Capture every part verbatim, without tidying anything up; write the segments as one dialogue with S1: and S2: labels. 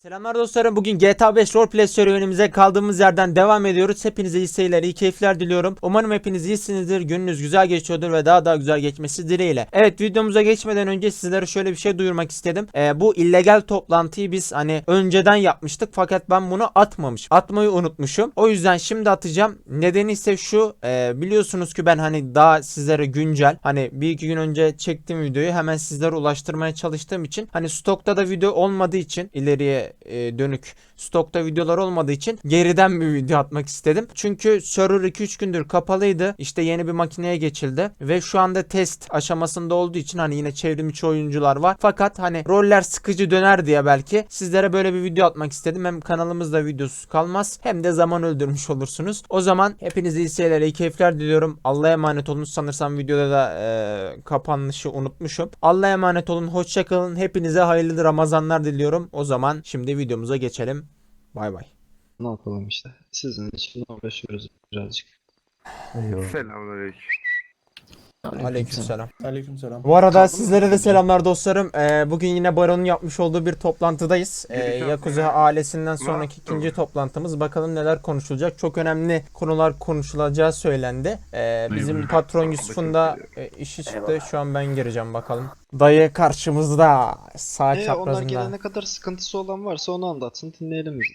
S1: Selamlar dostlarım. Bugün G T A beş Roleplay serüvenimize kaldığımız yerden devam ediyoruz. Hepinize iyi seyirler, iyi keyifler diliyorum. Umarım hepiniz iyisinizdir, gününüz güzel geçiyordur ve daha daha güzel geçmesi dileğiyle. Evet, videomuza geçmeden önce sizlere şöyle bir şey duyurmak istedim. Ee, bu illegal toplantıyı biz hani önceden yapmıştık fakat ben bunu atmamışım. Atmayı unutmuşum. O yüzden şimdi atacağım. Nedeni ise şu. E, biliyorsunuz ki ben hani daha sizlere güncel, hani bir iki gün önce çektiğim videoyu hemen sizlere ulaştırmaya çalıştığım için, hani stokta da video olmadığı için, ileriye e, dönük stokta videolar olmadığı için geriden bir video atmak istedim. Çünkü server iki üç gündür kapalıydı. İşte yeni bir makineye geçildi ve şu anda test aşamasında olduğu için hani yine çevrimiçi oyuncular var. Fakat hani roller sıkıcı döner diye belki sizlere böyle bir video atmak istedim. Hem kanalımızda videosuz kalmaz hem de zaman öldürmüş olursunuz. O zaman hepinize iyi seyirler, iyi keyifler diliyorum. Allah'a emanet olun. Sanırsam videoda da e, kapanışı unutmuşum. Allah'a emanet olun. Hoşça kalın. Hepinize hayırlı Ramazanlar diliyorum. O zaman şimdi videomuza geçelim. Bay bay.
S2: Ne yapalım işte. Sizin için uğraşıyoruz birazcık.
S3: Eyvallah.
S4: Selamünaleyküm.
S1: Aleykümselam.
S3: Aleykümselam.
S1: Bu arada
S2: Kaldı mı
S1: sizlere de
S2: bakayım?
S1: selamlar dostlarım. Ee, bugün yine Baron'un yapmış olduğu bir toplantıdayız. Ee,
S4: Gelişen
S1: Yakuza
S4: sene-
S1: ailesinden sonraki
S4: Var.
S1: ikinci toplantımız. Bakalım neler konuşulacak. Çok önemli konular konuşulacağı söylendi. Ee, bizim
S4: Eyvallah.
S1: patron
S4: Sağ
S1: Yusuf'un da
S4: olun.
S1: e, işi çıktı. Şu an ben gireceğim bakalım. Dayı karşımızda. Sağ
S2: Ee, onlar
S1: çaprazında.
S2: gelene kadar sıkıntısı olan varsa onu anlatsın, dinleyelim biz de.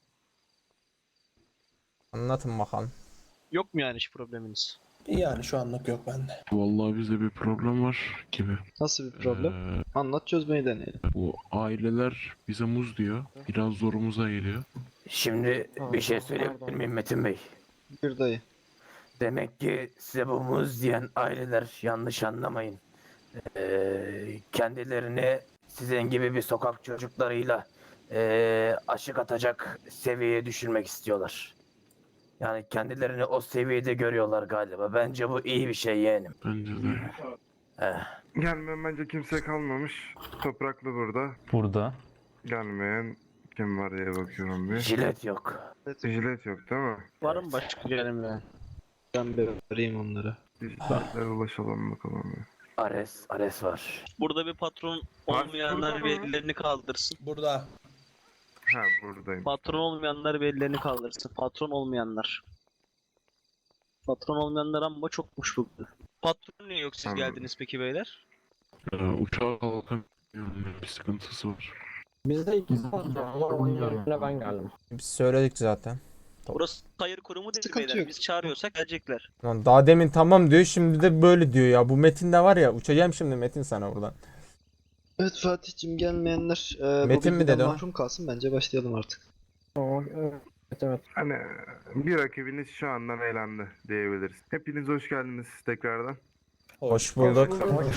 S1: Anlatın bakalım.
S5: Yok mu yani hiç probleminiz?
S3: Yani şu anlık yok bende.
S4: Vallahi bizde bir problem var gibi.
S2: Nasıl bir problem?
S4: Ee,
S2: Anlat, çözmeyi deneyelim.
S4: bu aileler bize muz diyor. Biraz zorumuza geliyor.
S6: Şimdi bir şey söyleyebilir miyim Metin Bey?
S2: Bir dayı.
S6: Demek ki size bu muz diyen aileler yanlış anlamayın. Ee, kendilerini sizin gibi bir sokak çocuklarıyla ee, aşık atacak seviyeye düşürmek istiyorlar. Yani kendilerini o seviyede görüyorlar galiba. Bence bu iyi bir şey yeğenim.
S4: Bence de.
S6: Eh,
S4: Gelmeyen bence kimse kalmamış. Topraklı burada.
S7: Burada.
S4: Gelmeyen kim var diye bakıyorum bir.
S6: jilet yok.
S4: Jilet yok değil mi?
S5: Var mı başka gelmeyen?
S2: Ben bir arayayım onları.
S4: Jiletlere ulaşalım bakalım bir.
S6: Ares, Ares var.
S5: Burada bir patron olmayanlar bir ellerini kaldırsın.
S3: Burada.
S4: Ha buradayım.
S5: Patron olmayanlar bir ellerini kaldırsın. Patron olmayanlar. Patron olmayanlar ama çokmuş bugün. Patron niye yok siz
S4: Anladım.
S5: geldiniz peki beyler?
S4: Ee, uçağa kalkamıyorum. Bir sıkıntısı var.
S7: Bizde ikisi var ama onun yerine ben geldim.
S1: Biz söyledik zaten.
S5: Burası hayır kurumu değil
S2: Sıkıntı
S5: beyler.
S2: yok.
S5: Biz çağırıyorsak gelecekler.
S1: Lan daha demin tamam diyor, şimdi de böyle diyor ya. Bu Metin de var ya, uçacağım şimdi Metin sana buradan.
S2: Evet Fatih'cim, gelmeyenler e,
S1: Metin
S2: bu
S1: mi
S2: bilgiden
S1: dedi o?
S2: mahrum kalsın. Bence başlayalım artık.
S7: Evet evet.
S4: Hani bir rakibiniz şu andan eğlendi diyebiliriz. Hepiniz hoş geldiniz tekrardan.
S1: Hoş bulduk.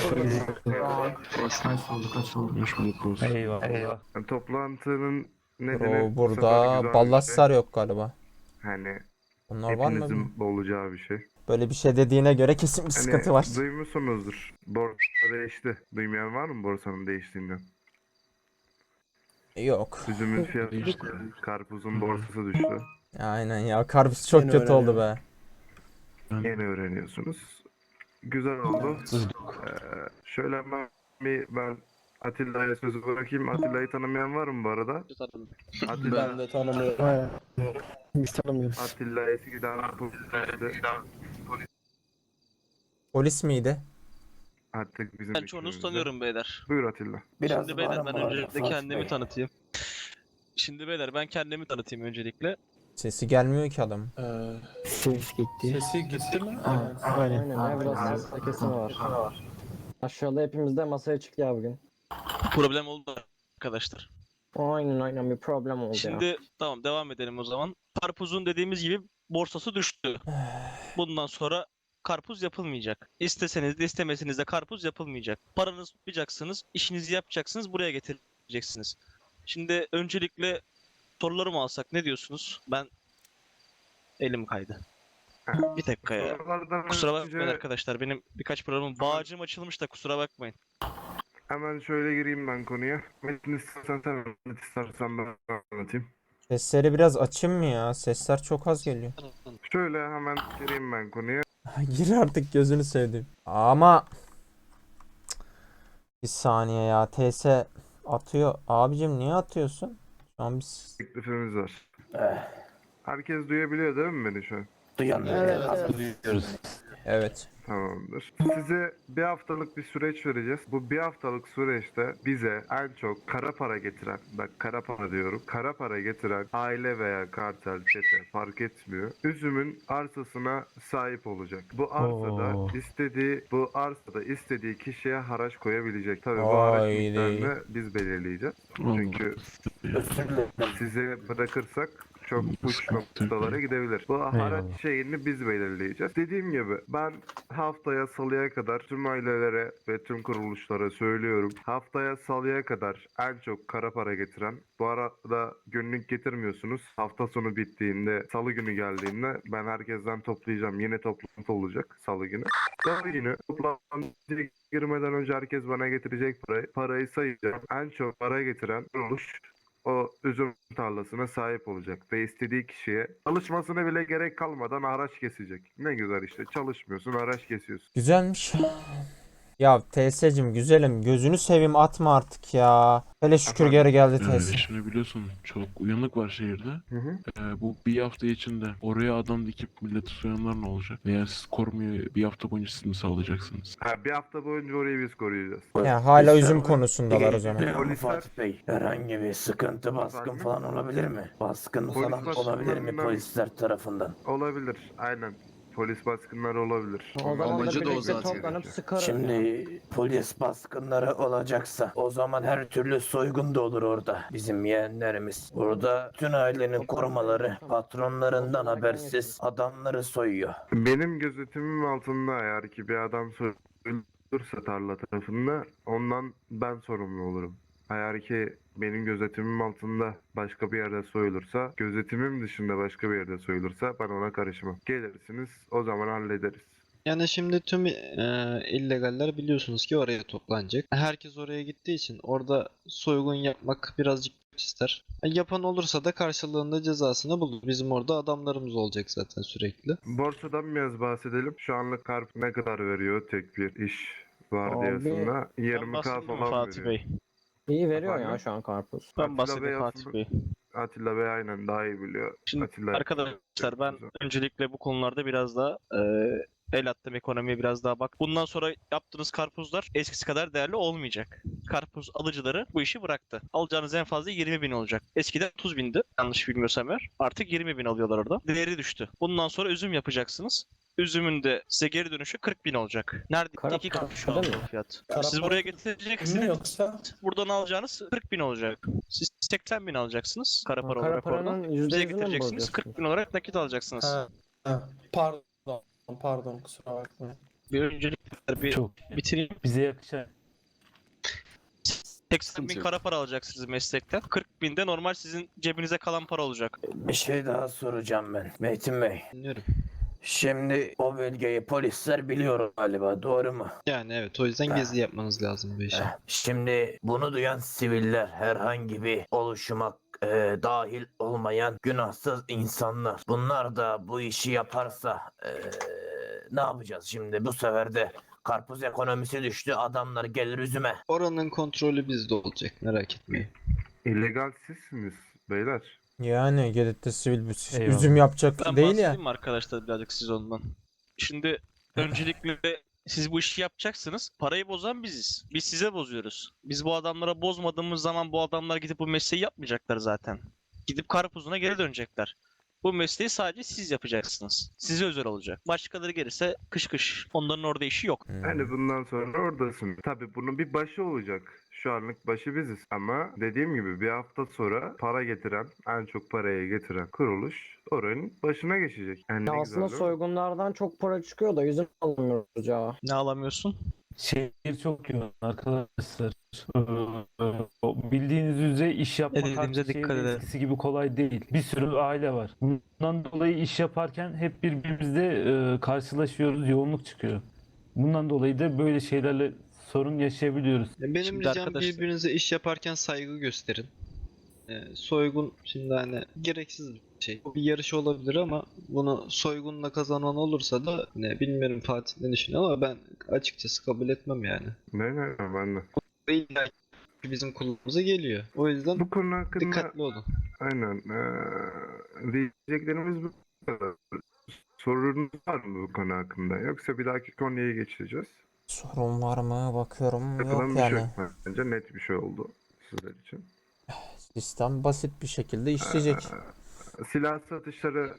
S4: Hoş bulduk olsun.
S7: Eyvallah.
S4: Yani toplantının nedeni
S1: Bro,
S4: bu sefer
S1: burada
S4: güzel bir
S1: ballaslar
S4: şey.
S1: yok galiba.
S4: Hani
S1: Onlar var mı?
S4: hepinizin olacağı bir şey.
S1: Böyle bir şey dediğine göre kesin bir
S4: Hani
S1: sıkıntı var.
S4: duymuşsunuzdur. Borsa değişti. Duymayan var mı borsanın değiştiğinden?
S1: Yok.
S4: Üzümün fiyatı düştü. Karpuzun borsası düştü.
S1: Aynen ya, karpuz çok
S3: Yeni
S1: kötü oldu be.
S3: öğreniyorum.
S4: Yeni öğreniyorsunuz. Güzel oldu. Ee, şöyle ben bir ben Atilla'ya sözü bırakayım. Atilla'yı tanımayan var mı bu arada? Atilla,
S3: Ben de tanımıyorum.
S7: Biz tanımıyoruz.
S4: Atilla eskiden polisti.
S1: Polis miydi?
S4: Artık bizim
S5: Ben çoğunuzu
S4: hükmümüzde.
S5: tanıyorum beyler.
S4: Buyur Atilla.
S7: Biraz
S5: Şimdi beyler ben
S7: bağırma
S5: öncelikle
S7: Fatih
S5: kendimi
S7: Bey.
S5: tanıtayım. Şimdi beyler ben kendimi tanıtayım öncelikle.
S1: Sesi gelmiyor ki adam.
S3: Ee,
S7: Ses gitti.
S3: sesi gitti mi?
S7: Aynen.
S8: Aynen ya, biraz ses kesimi var. Aşağıda hepimiz de masaya çıktı ya bugün.
S5: Problem oldu arkadaşlar.
S8: Aynen aynen, bir problem oldu ya.
S5: Şimdi tamam devam edelim o zaman. Karpuzun dediğimiz gibi borsası düştü. Bundan sonra karpuz yapılmayacak. İsteseniz de istemeseniz de karpuz yapılmayacak. Paranızı tutacaksınız, işinizi yapacaksınız, buraya getireceksiniz. Şimdi öncelikle sorularımı alsak ne diyorsunuz? Ben elim kaydı. Bir dakika ya.
S4: Sorulardan
S5: Kusura
S4: önce
S5: bakmayın arkadaşlar. Benim birkaç programım bağcım açılmış da kusura bakmayın.
S4: hemen şöyle gireyim ben konuya. Metin istersen sen anlat, istersen ben anlatayım.
S1: Sesleri biraz açayım mı ya? Sesler çok az geliyor.
S4: Şöyle hemen gireyim ben konuya.
S1: Gir artık, gözünü sevdim. Ama Cık. Bir saniye ya, T S atıyor. Abicim niye atıyorsun? Şu an biz...
S4: teklifimiz var.
S6: Eh,
S4: Herkes duyabiliyor değil mi beni şu an?
S6: duyan
S8: Evet,
S6: evet,
S1: Evet.
S4: Tamamdır. Size bir haftalık bir süreç vereceğiz. Bu bir haftalık süreçte bize en çok kara para getiren, bak kara para diyorum, kara para getiren aile veya kartel, çete fark etmiyor. Üzümün arsasına sahip olacak. Bu arsada istediği, bu arsada istediği kişiye haraç koyabilecek. Tabii bu haraç
S1: Haydi.
S4: miktarını biz belirleyeceğiz. Çünkü
S6: özür dilerim.
S4: size bırakırsak çok uç noktalara gidebilir. Bu haraç şeyini biz belirleyeceğiz. Dediğim gibi ben haftaya salıya kadar tüm ailelere ve tüm kuruluşlara söylüyorum. Haftaya salıya kadar en çok kara para getiren, bu arada günlük getirmiyorsunuz. Hafta sonu bittiğinde, salı günü geldiğinde ben herkesten toplayacağım. Yine toplantı olacak salı günü. Salı günü toplantıya girmeden önce herkes bana getirecek parayı. Parayı sayacağım. En çok para getiren kuruluş o üzüm tarlasına sahip olacak ve istediği kişiye çalışmasına bile gerek kalmadan araç kesecek. Ne güzel işte, çalışmıyorsun, araç kesiyorsun.
S1: Güzelmiş. Ya T S'cim güzelim, gözünü seveyim, atma artık ya. Hele şükür
S4: Efendim?
S1: geri geldi T
S9: Ee,
S1: S.
S9: şimdi biliyorsun çok uyanık var şehirde.
S4: Hı hı.
S9: Ee, bu bir hafta içinde oraya adam dikip milleti soyanlar ne olacak? Veya siz korumayı bir hafta boyunca siz mi sağlayacaksınız?
S4: Ha, bir hafta boyunca orayı biz koruyacağız.
S1: Ya hala
S6: Biz-
S1: üzüm konusundalar o zaman.
S6: Biliyor musun
S4: Polisler-
S6: Fatih Bey? Herhangi bir sıkıntı, baskın
S4: Efendim?
S6: falan olabilir mi? Baskın
S4: Polis
S6: falan olabilir mi
S4: baskınlarından-
S6: polisler tarafından?
S4: Olabilir, aynen. Polis baskınları olabilir.
S8: O zaman da
S2: Amacı da o
S8: birlikte
S2: zaten.
S8: toplanıp sıkarız.
S6: Şimdi polis baskınları olacaksa o zaman her türlü soygun da olur orada. Bizim yeğenlerimiz. Burada bütün ailenin korumaları patronlarından habersiz adamları soyuyor.
S4: Benim gözetimim altında eğer ki bir adam soyulursa tarla tarafında ondan ben sorumlu olurum. Eğer ki benim gözetimim altında başka bir yerde soyulursa, gözetimim dışında başka bir yerde soyulursa ben ona karışmam. Gelirsiniz, o zaman hallederiz.
S2: Yani şimdi tüm e, illegaller biliyorsunuz ki oraya toplanacak. Herkes oraya gittiği için orada soygun yapmak birazcık güç ister. E, yapan olursa da karşılığında cezasını bulur. Bizim orada adamlarımız olacak zaten sürekli.
S4: Borsadan biraz bahsedelim. Şu anlık Karp ne kadar veriyor tek bir iş vardiyasında?
S5: Ben
S4: yirmi K
S5: bahsedeyim mi
S4: falan
S5: Fatih
S4: veriyor.
S5: Bey?
S8: İyi veriyor ya
S4: Efendim?
S8: şu an karpuz.
S5: Ben
S4: Atilla
S5: bahsedeyim
S4: Bey
S5: Fatih
S4: aslında-
S5: Bey.
S4: Atilla Bey aynen daha iyi biliyor.
S5: Şimdi
S4: Atilla
S5: arkadaşlar ben öncelikle bu konularda biraz daha e, el attım, ekonomiye biraz daha bak. Bundan sonra yaptığınız karpuzlar eskisi kadar değerli olmayacak. Karpuz alıcıları bu işi bıraktı. Alacağınız en fazla yirmi bin olacak. Eskiden otuz bindi yanlış bilmiyorsam eğer. Artık yirmi bin alıyorlar orada. Değeri düştü. Bundan sonra üzüm yapacaksınız. Üzümün de size geri dönüşü kırk bin olacak. Nerede
S8: Kara
S5: iki
S8: para
S5: katı şu an
S8: değil mi?
S5: bu fiyat.
S3: Kara
S5: Siz
S3: para
S5: buraya
S3: mi
S5: getireceksiniz.
S3: yoksa?
S5: Buradan alacağınız kırk bin olacak. Siz seksen bin alacaksınız kara para
S8: Kara
S5: olarak oradan.
S8: paranın yüzde
S5: Bize
S8: yüzünü mü
S5: getireceksiniz
S8: bozuyorsunuz?
S5: kırk bin olarak nakit alacaksınız.
S3: Ha, ha. Pardon. Pardon kusura bakmayın.
S5: Bir öncelikle bir
S10: Çok
S5: bitireyim.
S10: bize yakışan.
S5: seksen bin kara para alacaksınız meslekten. kırk bin de normal sizin cebinize kalan para olacak.
S6: Bir şey daha soracağım ben. Metin Bey.
S2: Dinliyorum.
S6: Şimdi o bölgeyi polisler biliyor galiba, doğru mu?
S2: Yani evet, o yüzden gezi yapmanız lazım bu işe.
S6: Eh, Şimdi bunu duyan siviller, herhangi bir oluşuma e, dahil olmayan günahsız insanlar. Bunlar da bu işi yaparsa e, ne yapacağız şimdi? Bu sefer de karpuz ekonomisi düştü. Adamlar gelir üzüme.
S2: Oranın kontrolü bizde olacak, merak etmeyin.
S4: illegal sizsiniz beyler.
S1: Yani Gedet'te sivil bir
S10: Eyvallah.
S1: üzüm yapacak
S5: Ben
S1: değil ya.
S5: bahsedeyim mi arkadaşlar birazcık siz ondan? Şimdi öncelikle siz bu işi yapacaksınız. Parayı bozan biziz. Biz size bozuyoruz. Biz bu adamlara bozmadığımız zaman bu adamlar gidip bu mesleği yapmayacaklar zaten. Gidip karpuzuna geri dönecekler. Bu mesleği sadece siz yapacaksınız. Size özel olacak. Başkaları gelirse kış kış. Onların orada işi yok.
S1: Hmm.
S4: Yani bundan sonra oradasın. Tabii bunun bir başı olacak. Şu anlık başı biziz. Ama dediğim gibi bir hafta sonra para getiren, en çok parayı getiren kuruluş oranın başına geçecek. Yani
S8: Ya
S4: ne
S8: aslında
S4: güzel değil mi?
S8: soygunlardan çok para çıkıyor da yüzüm alamıyoruz ya.
S5: Ne alamıyorsun?
S10: Şehir çok yoğun arkadaşlar. Ee, o bildiğiniz üzere iş yapmak
S5: Ne dediğimize
S10: artık
S5: dikkat
S10: şehirde
S5: edelim.
S10: eskisi gibi kolay değil. Bir sürü aile var. Bundan dolayı iş yaparken hep birbirimizle e, karşılaşıyoruz, yoğunluk çıkıyor. Bundan dolayı da böyle şeylerle sorun yaşayabiliyoruz.
S2: Benim
S5: Şimdi
S2: ricam
S5: arkadaşlar-
S2: birbirinize iş yaparken saygı gösterin. Ee, soygun şimdi hani gereksiz bir şey. Bu bir yarış olabilir ama bunu soygunla kazanan olursa da ne bilmiyorum Fatih ne düşünüyor ama ben açıkçası kabul etmem yani.
S4: Ne ne ne, ben de.
S2: İlla bizim kulağımıza geliyor. O yüzden
S4: Bu konu hakkında
S2: dikkatli olun.
S4: aynen eee diyeceklerimiz bu kadar. Sorunuz var mı bu konu hakkında? Yoksa bir dahaki konuya geçeceğiz.
S1: Sorun var mı? Bakıyorum.
S4: Yapılan
S1: Yok
S4: bir şey
S1: yani.
S4: yok bence. Net bir şey oldu sizler için.
S1: Sistem basit bir şekilde işleyecek.
S4: Eee, silah satışları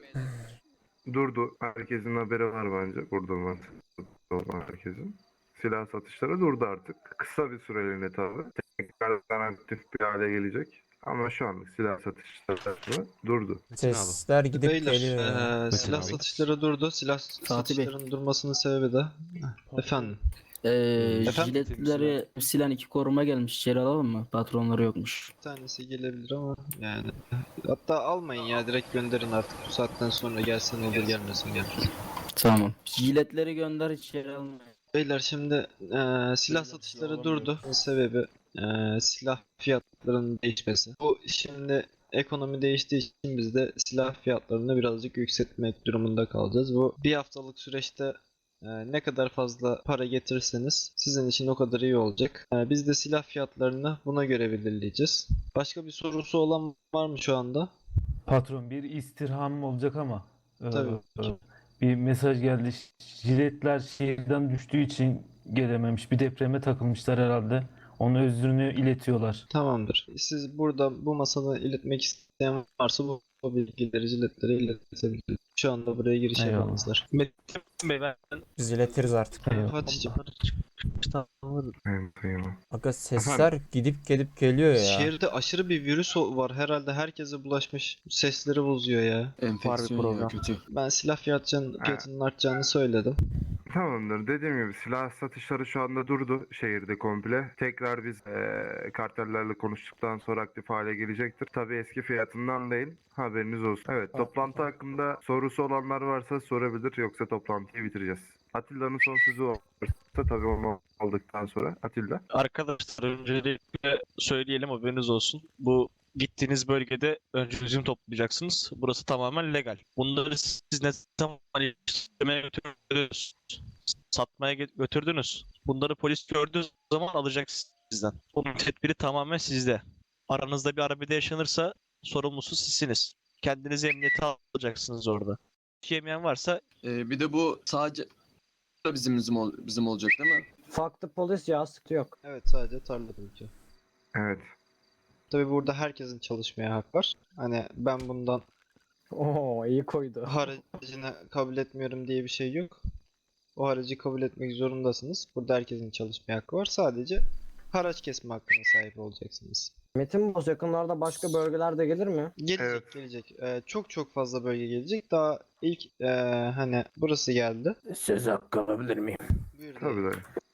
S4: durdu. Herkesin haberi var bence. Burada var. Olan herkesin. Silah satışları durdu artık. Kısa bir süreliğine tabii. Tekrardan aktif bir hale gelecek. Ama şu anlık silah satışları durdu.
S1: Sesler gidip
S2: Beyler,
S1: geliyor ya.
S2: eee, silah satışları durdu. Silah satışlarının durmasının sebebi de efendim.
S11: Ee,
S2: Efendim?
S11: jiletleri silen iki koruma gelmiş. İçeri alalım mı? Patronları yokmuş.
S2: Bir tanesi gelebilir ama yani hatta almayın ya, direkt gönderin artık, bu saatten sonra gelsin olur gelmesin olur.
S11: Tamam. Jiletleri gönder, içeri almayın.
S2: Beyler şimdi eee, silah satışları durdu. Sebebi eee, silah fiyatlarının değişmesi. Bu şimdi ekonomi değiştiği için biz de silah fiyatlarını birazcık yükseltmek durumunda kalacağız. Bu bir haftalık süreçte eee, ne kadar fazla para getirirseniz sizin için o kadar iyi olacak. Eee, biz de silah fiyatlarını buna göre belirleyeceğiz. Başka bir sorusu olan var mı şu anda?
S10: Patron bir istirhamım olacak ama e,
S2: Tabii.
S10: e, bir mesaj geldi. Jiletler şehirden düştüğü için gelememiş. Bir depreme takılmışlar herhalde. Onun özrünü iletiyorlar.
S2: Tamamdır. Siz burada bu masada iletmek isteyen varsa bu, bu bilgileri jiletlere iletebilir. Şu anda buraya giriş
S10: Eyvallah.
S2: yapamazlar.
S5: Metin Bey ben
S1: Biz iletiriz artık.
S10: Eyvallah.
S2: Fatih'ciğim.
S5: Tamam.
S4: Evet, tamam.
S1: Aga sesler gidip gelip geliyor ya.
S2: Şehirde aşırı bir virüs o- var. Herhalde herkese bulaşmış. Sesleri bozuyor ya.
S11: Enfeksiyon ya, kötü.
S2: Ben silah fiyatının, fiyatının artacağını söyledim.
S4: Tamamdır. Dediğim gibi silah satışları şu anda durdu şehirde komple. Tekrar biz eee, kartellerle konuştuktan sonra aktif hale gelecektir. Tabii eski fiyatından değil. Haberiniz olsun. Evet, toplantı hakkında sorusu olanlar varsa sorabilir. Yoksa toplantıyı bitireceğiz. Atilla'nın son sözü varsa tabii onu aldıktan sonra. Atilla.
S5: Arkadaşlar öncelikle söyleyelim, haberiniz olsun. Bu gittiğiniz bölgede önce üzüm toplayacaksınız. Burası tamamen legal. Bunları siz ne zaman işlemeye götürdünüz, satmaya ge- götürdünüz. Bunları polis gördüğü zaman alacak sizden. Bunun tedbiri tamamen sizde. Aranızda bir arbede yaşanırsa sorumlusu sizsiniz. Kendinizi emniyete alacaksınız orada. Yemeyen varsa
S11: Ee, bir de bu sadece bizim bizim, ol- bizim olacak değil mi?
S8: Farklı polis ya, sıkıntı yok.
S2: Evet, sadece tarla bölge.
S4: Evet.
S2: Tabii burada herkesin çalışmaya hak var. Hani ben bundan
S8: Oo iyi koydu.
S2: haracını kabul etmiyorum diye bir şey yok. O haracı kabul etmek zorundasınız. Burada herkesin çalışmaya hakkı var. Sadece haraç kesme hakkına sahip olacaksınız.
S8: Metin Boz yakınlarda başka bölgelerde gelir mi?
S2: Gelecek,
S4: Evet.
S2: gelecek. Ee, çok çok fazla bölge gelecek. Daha ilk ee, hani burası geldi.
S6: Söz hakkı alabilir miyim?
S2: Buyur dayı.
S4: Tabii dayı.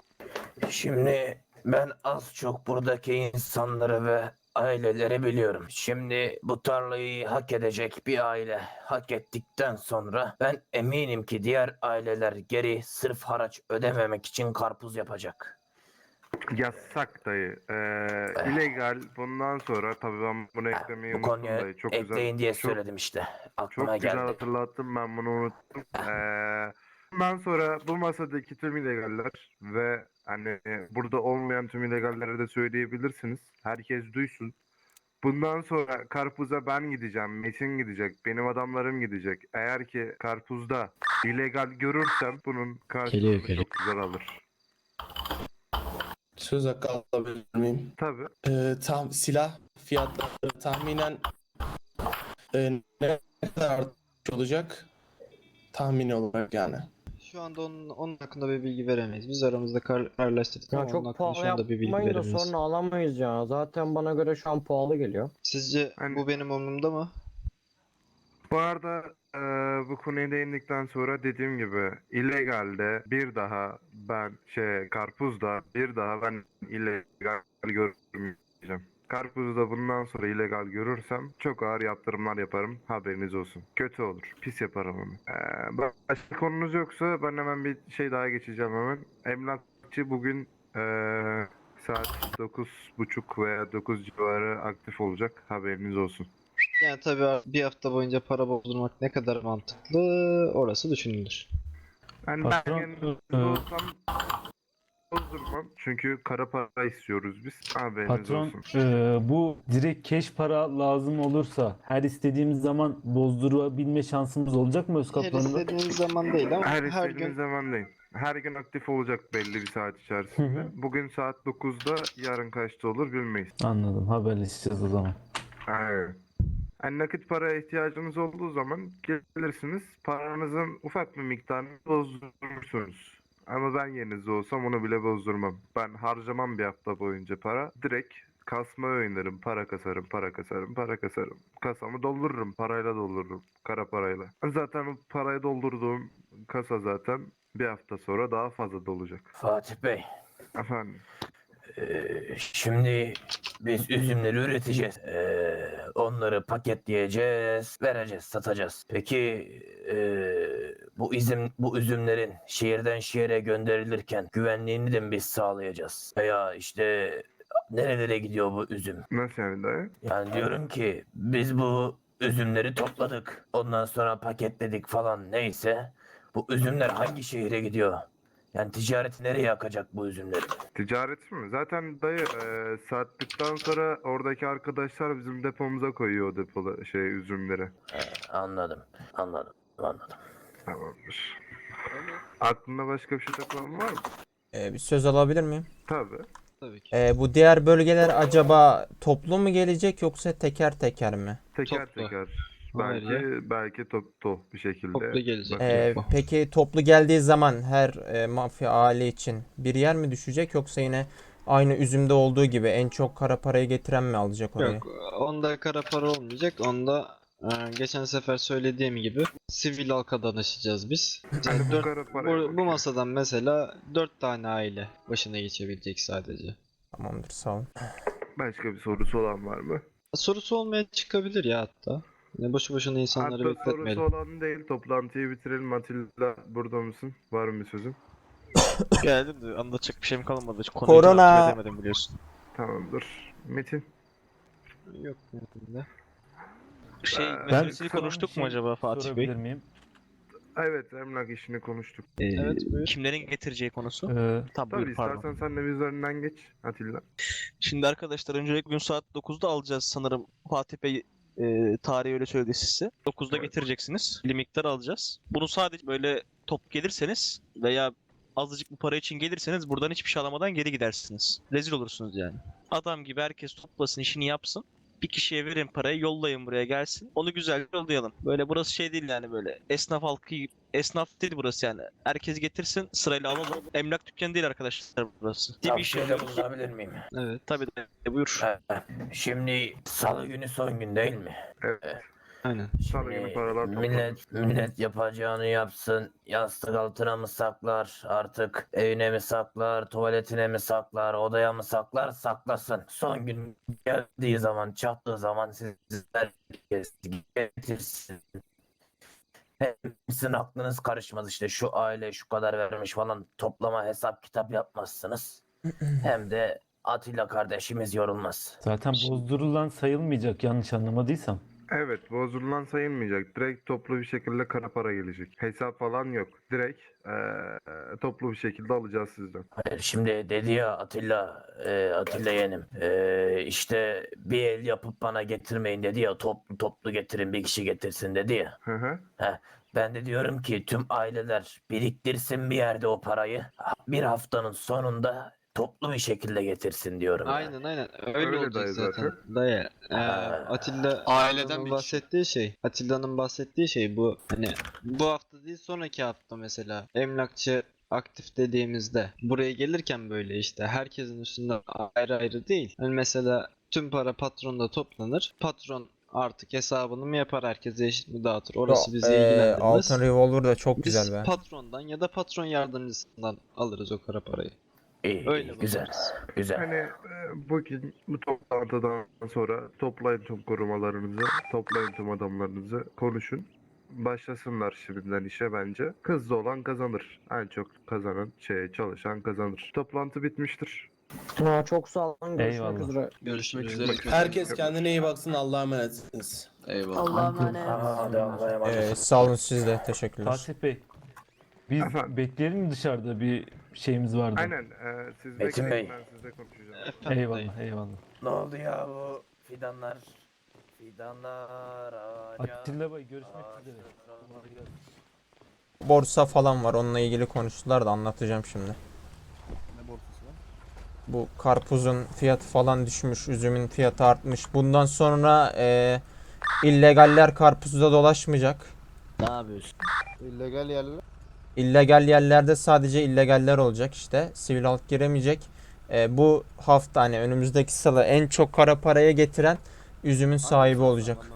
S6: Şimdi ben az çok buradaki insanları ve aileleri biliyorum. Şimdi bu tarlayı hak edecek bir aile hak ettikten sonra ben eminim ki diğer aileler geri sırf haraç ödememek için karpuz yapacak.
S4: Yasak dayı. Eee illegal. Bundan sonra tabii ben bunu eklemeyi
S6: Bu
S4: unuttum
S6: konuya
S4: dayı. Çok
S6: ekleyin
S4: güzel.
S6: diye
S4: çok,
S6: söyledim işte.
S4: Çok
S6: Aklıma
S4: güzel
S6: geldi.
S4: hatırlattım, ben bunu unuttum. Eee bundan sonra bu masadaki tüm illegaller ve hani burada olmayan tüm illegallere de söyleyebilirsiniz. Herkes duysun. Bundan sonra karpuza ben gideceğim, Metin gidecek, benim adamlarım gidecek. Eğer ki karpuzda illegal görürsem bunun karşılığını çok güzel alır.
S3: Söz hakkı alabilir miyim?
S4: Tabii.
S3: Ee, tam silah fiyatları tahminen e, ne kadar artış olacak? Tahmini olarak yani.
S2: Şu anda onun, onun hakkında bir bilgi veremeyiz. Biz aramızda kar, kararlaştırdık
S8: Ya
S2: ama onun
S8: çok
S2: hakkında
S8: pahalı
S2: şu anda bir bilgi
S8: yapmayın da
S2: veremeyiz.
S8: sonra alamayız ya. Zaten bana göre şu an pahalı geliyor.
S2: Sizce
S4: Hani-
S2: bu benim umurumda mı?
S4: Bu arada eee, bu konuya değindikten sonra dediğim gibi illegalde bir daha ben şey karpuzda bir daha ben illegal görmeyeceğim. Karpuzda bundan sonra illegal görürsem çok ağır yaptırımlar yaparım, haberiniz olsun. Kötü olur, pis yaparım onu. Eee, başka konunuz yoksa ben hemen bir şey daha geçeceğim hemen. Emlakçı bugün eee, saat dokuz buçuk veya dokuz civarı aktif olacak, haberiniz olsun.
S2: Yani tabii bir hafta boyunca para bozdurmak ne kadar mantıklı, orası düşünülür.
S4: Yani
S10: Patron,
S4: ben
S10: e,
S4: olsam bozdurmam. Çünkü kara para istiyoruz biz. Haberiniz
S10: Patron,
S4: olsun.
S10: e, bu direkt cash para lazım olursa her istediğimiz zaman bozdurabilme şansımız olacak mı öz
S2: Her
S10: kaplanında?
S2: istediğiniz zaman değil ama
S4: Her
S2: her
S4: istediğiniz
S2: gün
S4: zaman değil. Her gün aktif olacak belli bir saat
S10: Hı
S4: içerisinde.
S10: hı.
S4: Bugün saat dokuzda, yarın kaçta olur bilmeyiz.
S10: Anladım, haberleşeceğiz o zaman.
S4: Aynen. Yani nakit paraya ihtiyacınız olduğu zaman gelirsiniz. Paranızın ufak bir miktarını bozdurursunuz. Ama ben yerinizde olsam onu bile bozdurmam. Ben harcamam bir hafta boyunca para. Direkt kasmaya oynarım. Para kasarım, para kasarım, para kasarım. Kasamı doldururum. Parayla doldururum. Kara parayla. Zaten o parayı doldurduğum kasa zaten bir hafta sonra daha fazla dolacak.
S6: Fatih Bey,
S4: Efendim.
S6: Ee, şimdi biz üzümleri üreteceğiz. Ee, onları paketleyeceğiz, vereceğiz, satacağız. Peki ee, bu üzüm bu üzümlerin şehirden şehire gönderilirken güvenliğini de mi biz sağlayacağız? Veya işte nerelere gidiyor bu üzüm?
S4: Nasıl yani dayı?
S6: Yani diyorum ki biz bu üzümleri topladık. Ondan sonra paketledik falan neyse. Bu üzümler hangi şehire gidiyor? Yani ticareti nereye akacak bu üzümleri?
S4: Ticaret mi? Zaten dayı e, sattıktan sonra oradaki arkadaşlar bizim depomuza koyuyor o depoda şey üzümleri.
S6: Anladım, anladım, anladım.
S4: Tamamdır. Aklında başka bir şey takılan var mı?
S1: Ee, bir söz alabilir miyim?
S4: Tabii.
S2: tabii ki.
S1: Ee, bu diğer bölgeler acaba toplu mu gelecek yoksa teker teker mi?
S4: Teker
S2: Toplu.
S4: teker.
S2: Hayır
S4: Belki belki toplu bir şekilde.
S2: Toplu gelecek.
S1: Ee, peki toplu geldiği zaman her e, mafya aile için bir yer mi düşecek yoksa yine aynı üzümde olduğu gibi en çok kara parayı getiren mi alacak orayı?
S2: Yok, onda kara para olmayacak. Onda e, geçen sefer söylediğim gibi sivil halka danışacağız biz.
S4: Hani
S2: Yani
S4: bu
S2: dört-
S4: kara paraya
S2: bu, bu
S4: bakıyor.
S2: masadan mesela dört tane aile başına geçebilecek sadece.
S1: Tamamdır, sağ olun.
S4: Başka bir sorusu olan var mı?
S2: Sorusu olmaya çıkabilir ya hatta. Yani boşu boşuna insanları
S4: Hatta sorusu
S2: bekletmeyelim.
S4: olan değil. Toplantıyı bitirelim. Atilla burada mısın? Var mı bir sözün?
S5: Geldim de anlatacak bir şeyim kalmadı.
S1: Konuyu Korona. takip
S5: edemedim biliyorsun.
S4: Tamamdır. Metin.
S2: Yok mümkün
S5: Şey
S4: Ben
S5: meselesini
S10: kısa bir
S5: konuştuk
S10: şey
S5: mu acaba Fatih Bey?
S10: sorabilir miyim?
S4: Evet, emlak işini konuştuk.
S2: Evet, buyur.
S5: Kimlerin getireceği konusu?
S10: Ee,
S5: Tabii,
S4: Tabii
S5: buyur, pardon.
S4: istersen sen de bir üzerinden geç Atilla.
S5: Şimdi arkadaşlar öncelikle gün saat dokuzda alacağız sanırım. Fatih Bey e, tarihi öyle söyledi size. dokuzda
S4: Evet.
S5: getireceksiniz. Bir miktar alacağız. Bunu sadece böyle top gelirseniz veya azıcık bu para için gelirseniz buradan hiçbir şey alamadan geri gidersiniz. Rezil olursunuz yani. Adam gibi herkes toplasın, işini yapsın. Bir kişiye verin parayı, yollayın buraya gelsin. Onu güzel yollayalım. Böyle burası şey değil yani böyle esnaf halkı, esnaf değil burası yani. Herkes getirsin, sırayla alalım. Emlak dükkanı değil arkadaşlar burası. Değil
S6: Ya
S5: bir
S6: bir
S5: iş
S6: şey de
S5: yapıyoruz.
S6: bulunabilir miyim?
S2: Evet.
S5: Tabii de buyur.
S6: He, Şimdi salı günü son gün değil mi?
S4: Evet.
S2: Aynen.
S4: Salı günü
S6: Şimdi
S4: paralar toplanır.
S6: millet, millet yapacağını yapsın. Yastık altına mı saklar artık? Evine mi saklar? Tuvaletine mi saklar? Odaya mı saklar? Saklasın. Son gün geldiği zaman, çattığı zaman sizler getirsin. Hem sizin aklınız karışmaz işte şu aile şu kadar vermiş falan toplama hesap kitap yapmazsınız. Hem de Atilla kardeşimiz yorulmaz.
S10: zaten bozdurulan sayılmayacak yanlış anlamadıysam.
S4: Evet, bozulan sayılmayacak. Direkt toplu bir şekilde kara para gelecek. Hesap falan yok. Direkt eee, toplu bir şekilde alacağız sizden.
S6: Hayır, şimdi dedi ya Atilla, e, Atilla yeğenim, e, işte bir el yapıp bana getirmeyin dedi ya, toplu toplu getirin bir kişi getirsin dedi ya.
S4: Hı hı.
S6: Ben de diyorum ki tüm aileler biriktirsin bir yerde o parayı, bir haftanın sonunda toplu bir şekilde getirsin diyorum. yani.
S2: Aynen aynen. Öyle,
S4: Öyle
S2: olacak
S4: dayı
S2: zaten.
S4: zaten.
S2: Dayı. Ee,
S6: Ha.
S2: Atilla
S11: Aileden
S2: Atilla'nın
S11: bir
S2: bahsettiği şey. Atilla'nın bahsettiği şey bu. Hani bu hafta değil sonraki hafta mesela. Emlakçı aktif dediğimizde buraya gelirken böyle işte herkesin üstünde ayrı ayrı değil. Hani mesela tüm para patronda toplanır. Patron artık hesabını mı yapar, herkese eşit mi dağıtır? Orası bizi
S1: Ee,
S2: ilgilendirmez.
S1: Altın Revolver da çok
S2: Biz
S1: güzel be.
S2: patrondan ya da patron yardımcısından alırız o kara parayı.
S6: İyi,
S2: Öyle
S6: iyi, güzel,
S2: bakarız.
S6: güzel.
S4: Hani e, bugün bu toplantıdan sonra toplayın tüm korumalarınızı, toplayın tüm adamlarınızı, konuşun. Başlasınlar şimdiden işe bence. Hızlı olan kazanır. En çok kazanan, şey çalışan kazanır. Toplantı bitmiştir.
S8: Aa, çok sağ olun. Görüşmek
S10: Eyvallah.
S8: üzere.
S11: Görüşmek üzere.
S3: Herkes kendine iyi baksın. Allah'a emanetsiniz.
S11: Eyvallah.
S12: Allah'a emanet.
S6: Hadi Allah'a emanet.
S1: Ee, sağ olun, siz de teşekkürler.
S10: Fatih Bey, biz
S4: Efendim?
S10: bekleyelim mi dışarıda bir şeyimiz vardı.
S4: Aynen. E, siz
S6: Metin
S4: bekleyin,
S6: Bey.
S4: ben sizle konuşacağım.
S2: Efendim dayı.
S10: Eyvallah, eyvallah.
S6: Ne oldu ya bu fidanlar? Fidanlar ağaca.
S10: Atilla Bey görüşmek üzere.
S1: Borsa falan var. Onunla ilgili konuştular da anlatacağım şimdi.
S7: Ne borsası var?
S1: Bu karpuzun fiyatı falan düşmüş. Üzümün fiyatı artmış. Bundan sonra e, illegaller karpuzda dolaşmayacak.
S7: Ne yapıyorsun?
S12: İllegal yerler.
S1: İllegal yerlerde sadece illegaller olacak işte. Sivil halk giremeyecek. E, bu hafta hani önümüzdeki salı en çok kara paraya getiren üzümün sahibi olacak.